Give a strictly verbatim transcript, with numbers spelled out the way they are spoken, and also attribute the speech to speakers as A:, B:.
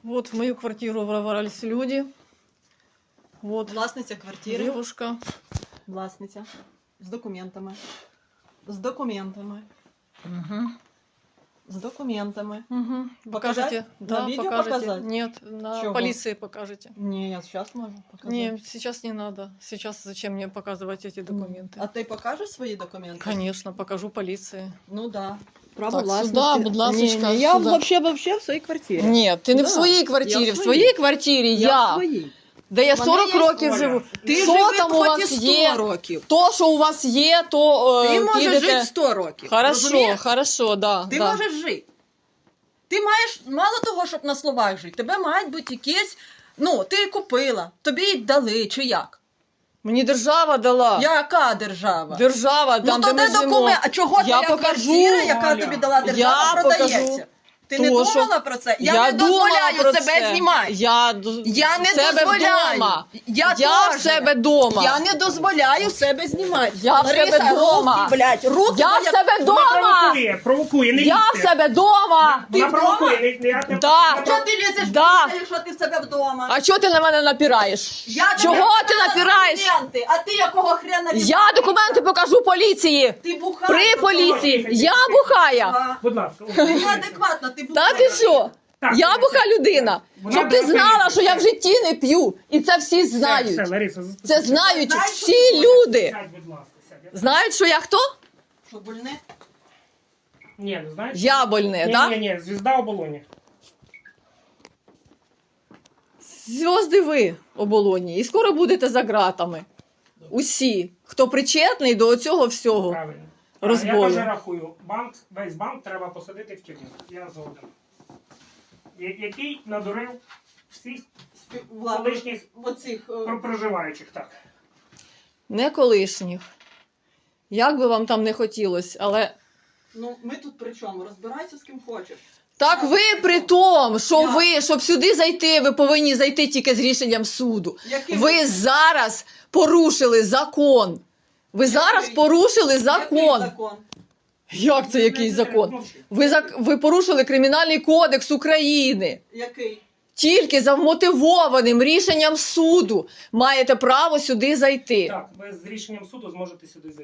A: Вот в мою квартиру ворвались люди. Вот
B: Власниця квартири.
A: девушка.
B: Власниця. З документами. З документами.
A: Угу.
B: З документами.
A: Угу.
B: Показать?
A: Покажете?
B: На
A: Да,
B: видео
A: покажете.
B: показать?
A: Нет, на
B: Чего?
A: полиции покажете.
B: Ні, я зараз можу показати.
A: Не, сейчас не надо. Сейчас зачем мне показывать эти документы?
B: А ти покажеш свої документи?
A: Конечно, покажу полиции.
B: Ну да. Право
A: Так,
B: власності.
A: сюда, будь ласочка,
B: Ні, ні, я
A: сюда.
B: вообще, вообще в своїй квартирі.
A: Нет, ты не
B: Да,
A: в своей
B: я
A: квартире.
B: в
A: В
B: своей.
A: своей квартире
B: Я,
A: я.
B: в своїй.
A: Да я
B: Мене
A: сорок
B: є
A: років
C: Оля.
A: живу.
B: Ти
A: Що
B: живи
A: там у
B: хоч
A: вас
B: і сто
A: є?
B: років.
A: То, що у вас є, то е,
B: Ти можеш
A: підете.
B: жити сто років.
A: Хорошо,
B: розумієш?
A: хорошо, да.
B: Ти
A: да.
B: можеш жити. Ти маєш, мало того, щоб на словах жити, тебе мають бути якісь, ну, ти купила, тобі їх дали, чи як?
A: Мені держава дала.
B: Яка держава?
A: Держава, там,
B: ну, то
A: де ми
B: де
A: живемо.
B: документ? А чого
A: Я
B: твоя
A: покажу.
B: квартира, яка
C: Оля.
B: тобі дала держава,
A: Я
B: продається?
A: покажу.
B: Ти
A: То,
B: не
A: що-
B: думала про це? Я,
A: Я
B: не
A: думала
B: дозволяю
A: про
B: себе
A: це.
B: знімати.
A: Я, д-
B: Я не
A: в себе
B: дозволяю.
A: вдома.
B: Я,
A: Я в
B: теж.
A: себе вдома.
B: Я не дозволяю себе знімати.
A: Я в
B: Лариса,
A: себе вдома.
B: руки, блядь, руки
A: Я в
B: твоя-
A: себе
C: Вона
A: вдома.
C: провокує, провокує, не
A: Я в
C: лізьте.
A: себе вдома.
B: Ти
C: Вона
B: вдома?
C: провокує, не, не, не,
A: Да.
C: не
B: Чого ти лізеш
A: Да.
B: в якщо ти в себе вдома?
A: А чого ти на мене напираєш?
B: Я тобі
A: Чого ти
B: показала
A: напираєш?
B: документи, а ти якого хрена від-
A: Я документи покажу поліції.
B: Ти бухаєш.
A: При
B: до
A: поліції.
C: Тихо,
A: Я
C: тихо.
A: бухая.
B: того.
C: Будь ласка.
B: Ти неадекватна, ти
A: Та
B: бухаєш.
A: ти що?
C: Так,
A: Я
C: Лариса,
A: буха людина.
C: вона
A: Щоб ти
C: була
A: знала,
C: поліція.
A: що я в житті не п'ю. І це всі
C: Все,
A: знають.
C: все, Лариса,
A: Це знають
B: Знаєш, що
A: всі
B: ти
A: люди.
C: Сядь, будь ласка, сядь.
A: Знають, що я хто?
B: Що, больне?
C: Ні, не знаєш?
A: Я больне,
C: Ні,
A: так?
C: ні, ні, звізда оболоні.
A: Зв'язди ви оболоні. І скоро будете за ґратами. Усі, хто причетний до цього всього.
C: Правильно.
A: Розбою.
C: Я теж рахую, банк, весь банк треба посадити в тюрму. Я згоден. Я- Який надурив всіх
B: Влад,
C: колишніх
B: оцих, е,
C: про- проживаючих, так.
A: Не колишніх. Як би вам там не хотілося, але...
B: ну, ми тут при чому? Розбирайся з ким хочеш.
A: Так ви при тому, що ви, щоб сюди зайти, ви повинні зайти тільки з рішенням суду.
B: Яким?
A: Ви зараз порушили закон. Ви зараз
B: Який?
A: порушили
B: Який
A: закон.
B: закон?
A: Як це який закон? Ви, зак... ви порушили Кримінальний кодекс України.
B: Який?
A: Тільки за вмотивованим рішенням суду маєте право сюди зайти.
C: Так, ви з рішенням суду зможете сюди зайти.